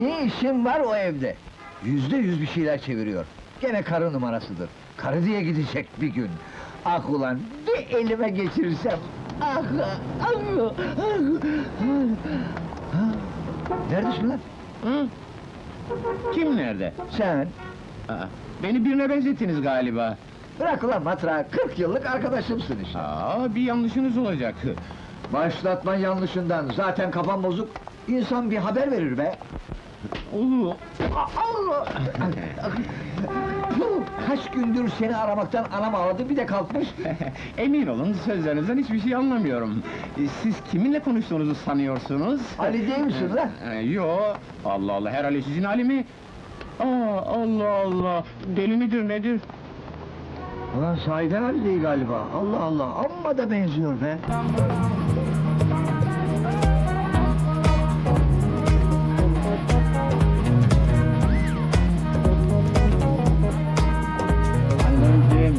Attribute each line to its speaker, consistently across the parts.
Speaker 1: Ne işin var o evde? %100 bir şeyler çeviriyor. Gene karı numarasıdır. Karı diye gidecek bir gün. Ah ulan, bir elime geçirsem! Ah, ah, ah, ah. Neredesin lan?
Speaker 2: Hı? Kim nerede?
Speaker 1: Sen?
Speaker 2: Aa, beni birine benzettiniz galiba.
Speaker 1: Bırak ulan matrağı, 40 yıllık arkadaşımsın işte.
Speaker 2: Bir yanlışınız olacak.
Speaker 1: Başlatma yanlışından, zaten kafam bozuk. İnsan bir haber verir be!
Speaker 2: Oo,
Speaker 1: Allah! Kaç gündür seni aramaktan anam ağladı, bir de kalkmış.
Speaker 2: emin olun, sözlerinizden hiçbir şey anlamıyorum. Siz kiminle konuştuğunuzu sanıyorsunuz?
Speaker 1: Ali değil misin lan?
Speaker 2: Yo, Allah Allah, herhalde sizin Ali mi? Allah Allah, deli midir nedir?
Speaker 1: Ulan sahiden Ali değil galiba. Allah Allah, amma da benziyor be!
Speaker 2: Anneciğim!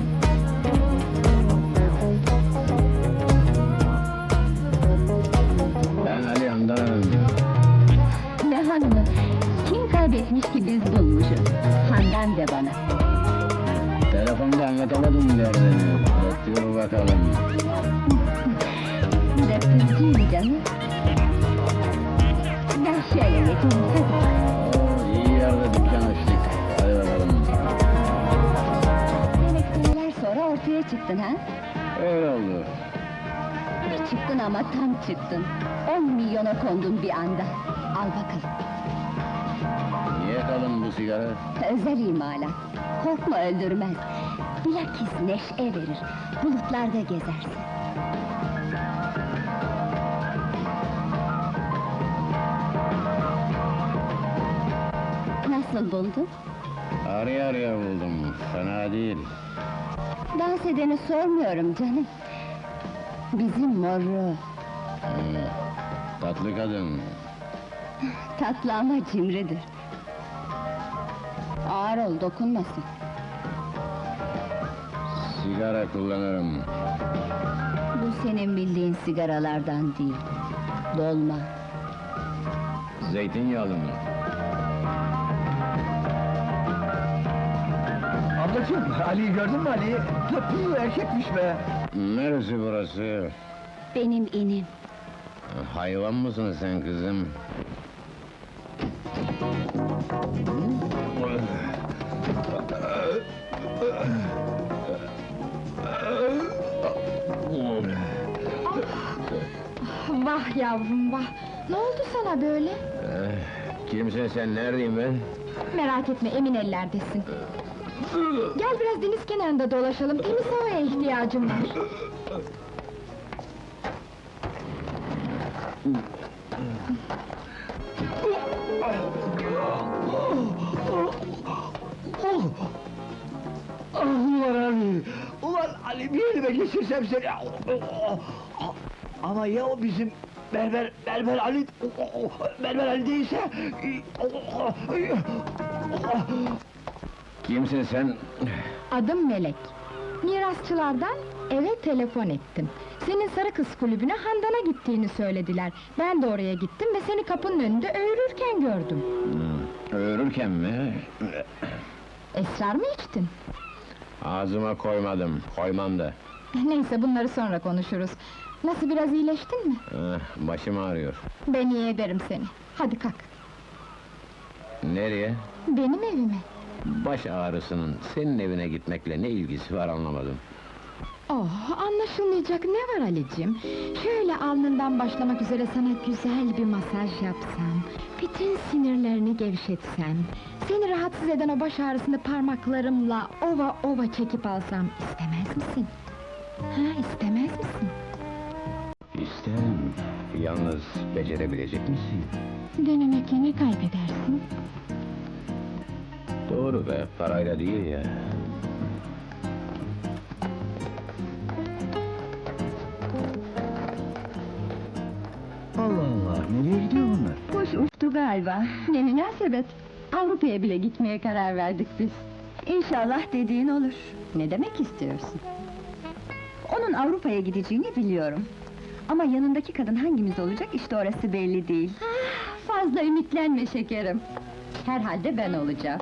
Speaker 2: Ben Ali Handan.
Speaker 3: Ne hanımı? Kim kaybetmiş ki biz bulmuşuz? Handan de bana.
Speaker 2: Telefonda anlatamadım derdini. Dur bakalım.
Speaker 3: Döktürücüydü canım. Ben şöyle geçeyim, hadi.
Speaker 2: İyi yerde dükkan açtık. Hadi bakalım.
Speaker 3: Demek seneler sonra ortaya çıktın ha?
Speaker 2: Öyle oldu.
Speaker 3: Bir çıktın ama tam çıktın. 10 milyona kondun bir anda. Al bakalım.
Speaker 2: Niye kalın bu sigara?
Speaker 3: Özel imalat. Korkma öldürmez. Bilakis neşe verir. Bulutlarda gezersin. Nasıl buldun?
Speaker 2: Araya araya buldum. Fena değil.
Speaker 3: Dans edeni sormuyorum canım. Bizim moru.
Speaker 2: Tatlı kadın.
Speaker 3: Tatlı ama cimridir. Ağır ol, dokunmasın.
Speaker 2: Sigara kullanırım.
Speaker 3: Bu senin bildiğin sigaralardan değil. Dolma.
Speaker 2: Zeytinyağlı mı?
Speaker 1: Ablacığım, Ali'yi gördün mü Ali'yi? Tatlı erkekmiş be!
Speaker 2: Neresi burası?
Speaker 3: Benim inim.
Speaker 2: Hayvan mısın sen kızım?
Speaker 4: Vah yavrum vah! Ne oldu sana böyle?
Speaker 2: Kimsin sen, neredeyim ben?
Speaker 4: Merak etme, emin ellerdesin. Gel biraz deniz kenarında dolaşalım, temiz havaya ihtiyacım var.
Speaker 1: Ah ulan Ali! Ulan Ali, bir elime geçirsem seni! Ama ya o bizim Berber Ali... Berber Ali değilse...
Speaker 2: Kimsin sen?
Speaker 4: Adım Melek. Mirasçılardan eve telefon ettim. Senin Sarı Kız Kulübü'ne Handan'a gittiğini söylediler. Ben de oraya gittim ve seni kapının önünde öğürürken gördüm.
Speaker 2: Öğürürken mi?
Speaker 4: Esrar mı içtin?
Speaker 2: Ağzıma koymadım, koymam da.
Speaker 4: Neyse, bunları sonra konuşuruz. Nasıl, biraz iyileştin mi?
Speaker 2: Başım ağrıyor.
Speaker 4: Ben iyi ederim seni. Hadi kalk.
Speaker 2: Nereye?
Speaker 4: Benim evime.
Speaker 2: Baş ağrısının senin evine gitmekle ne ilgisi var anlamadım.
Speaker 4: Oh, anlaşılmayacak ne var Ali'cim? Şöyle alnından başlamak üzere sana güzel bir masaj yapsam... ...bütün sinirlerini gevşetsem... ...seni rahatsız eden o baş ağrısını parmaklarımla ova ova çekip alsam... ...istemez misin? Ha, istemez misin?
Speaker 2: İsterim. Yalnız becerebilecek misin?
Speaker 4: Denemek ne kaybedersin?
Speaker 2: Doğru be, parayla değil ya.
Speaker 1: Allah Allah, nereye gidiyor bunlar?
Speaker 3: Boş uçtu galiba. Ne münasebet. Avrupa'ya bile gitmeye karar verdik biz. İnşallah dediğin olur. Ne demek istiyorsun? Onun Avrupa'ya gideceğini biliyorum. Ama yanındaki kadın hangimiz olacak, işte orası belli değil. Fazla ümitlenme şekerim. Herhalde ben olacağım.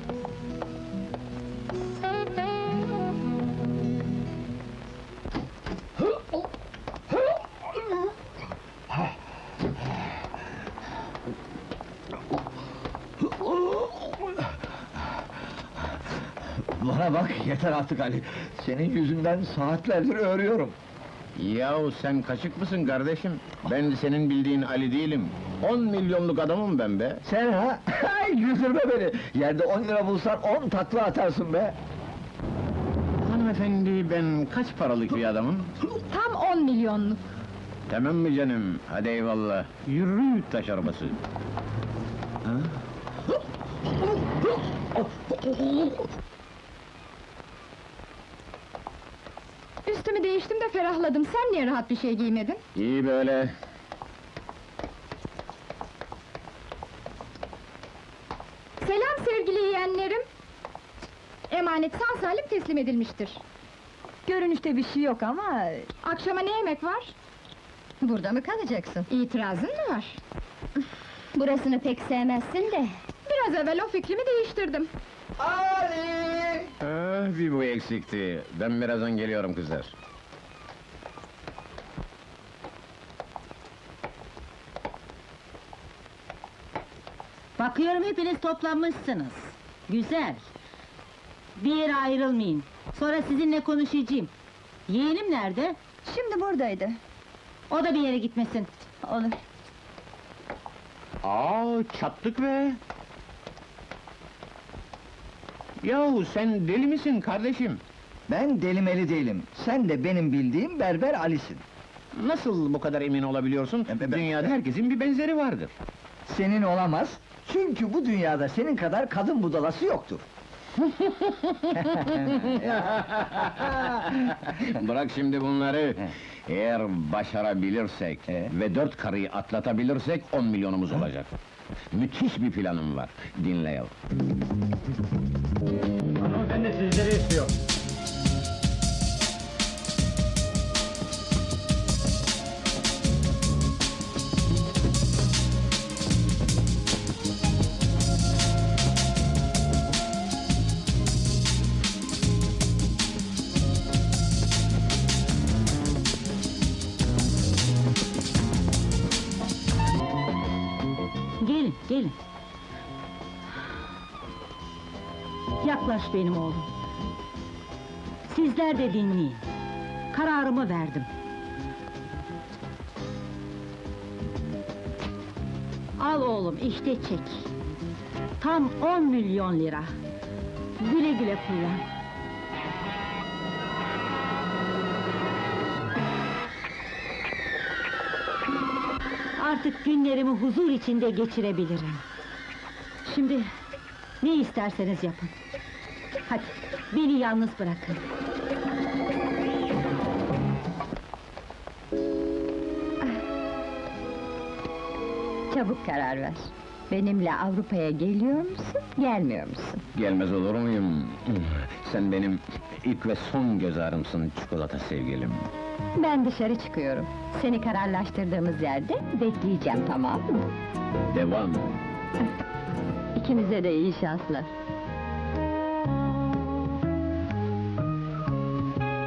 Speaker 1: Bana bak, yeter artık Ali! Senin yüzünden saatlerdir örüyorum.
Speaker 2: Yahu sen kaçık mısın kardeşim? Ben senin bildiğin Ali değilim. 10 milyonluk adamım ben be.
Speaker 1: Sen ha? Ay, güldürme beni! Yerde 10 lira bulsan 10 takla atarsın be!
Speaker 2: Hanımefendi, ben kaç paralık bir adamım?
Speaker 4: Tam 10 milyonluk.
Speaker 2: Tamam mı canım? Hadi eyvallah. Yürü taş arabası.
Speaker 4: Üstümü değiştim de ferahladım. Sen niye rahat bir şey giymedin?
Speaker 2: İyi böyle.
Speaker 4: Selam sevgili yeğenlerim. Emanet sağ salim teslim edilmiştir.
Speaker 3: Görünüşte bir şey yok ama...
Speaker 4: Akşama ne yemek var?
Speaker 3: Burada mı kalacaksın?
Speaker 4: İtirazın mı var?
Speaker 3: Burasını pek sevmezsin de...
Speaker 4: Biraz evvel o fikrimi değiştirdim.
Speaker 1: Ali!
Speaker 2: Bir bu eksikti. Ben birazdan geliyorum kızlar.
Speaker 5: Bakıyorum hepiniz toplanmışsınız. Güzel. Bir yere ayrılmayın. Sonra sizinle konuşacağım. Yeğenim nerede?
Speaker 3: Şimdi buradaydı.
Speaker 5: O da bir yere gitmesin.
Speaker 3: Olur.
Speaker 2: Çattık be! Yahu sen deli misin kardeşim?
Speaker 1: Ben delimeli değilim. Sen de benim bildiğim berber Ali'sin.
Speaker 2: Nasıl bu kadar emin olabiliyorsun? Dünyada herkesin bir benzeri vardır.
Speaker 1: Senin olamaz. Çünkü bu dünyada senin kadar kadın budalası yoktur.
Speaker 2: Bırak şimdi bunları. Eğer başarabilirsek ve 4 karıyı atlatabilirsek 10 milyonumuz olacak. Müthiş bir planım var. Dinle yav.
Speaker 6: Hanımefendi sizleri istiyor.
Speaker 5: Gelin, gelin. Yaklaş benim oğlum. Sizler de dinleyin. Kararımı verdim. Al oğlum, işte çek. Tam 10 milyon lira. Güle güle kullan. Artık günlerimi huzur içinde geçirebilirim. Şimdi ne isterseniz yapın. Hadi, beni yalnız bırakın.
Speaker 3: Çabuk karar ver. Benimle Avrupa'ya geliyor musun, gelmiyor musun?
Speaker 2: Gelmez olur muyum? Sen benim ilk ve son göz ağrımsın çikolata sevgilim.
Speaker 3: Ben dışarı çıkıyorum. Seni kararlaştırdığımız yerde bekleyeceğim, tamam mı?
Speaker 2: Devam.
Speaker 3: İkinize de iyi şanslar.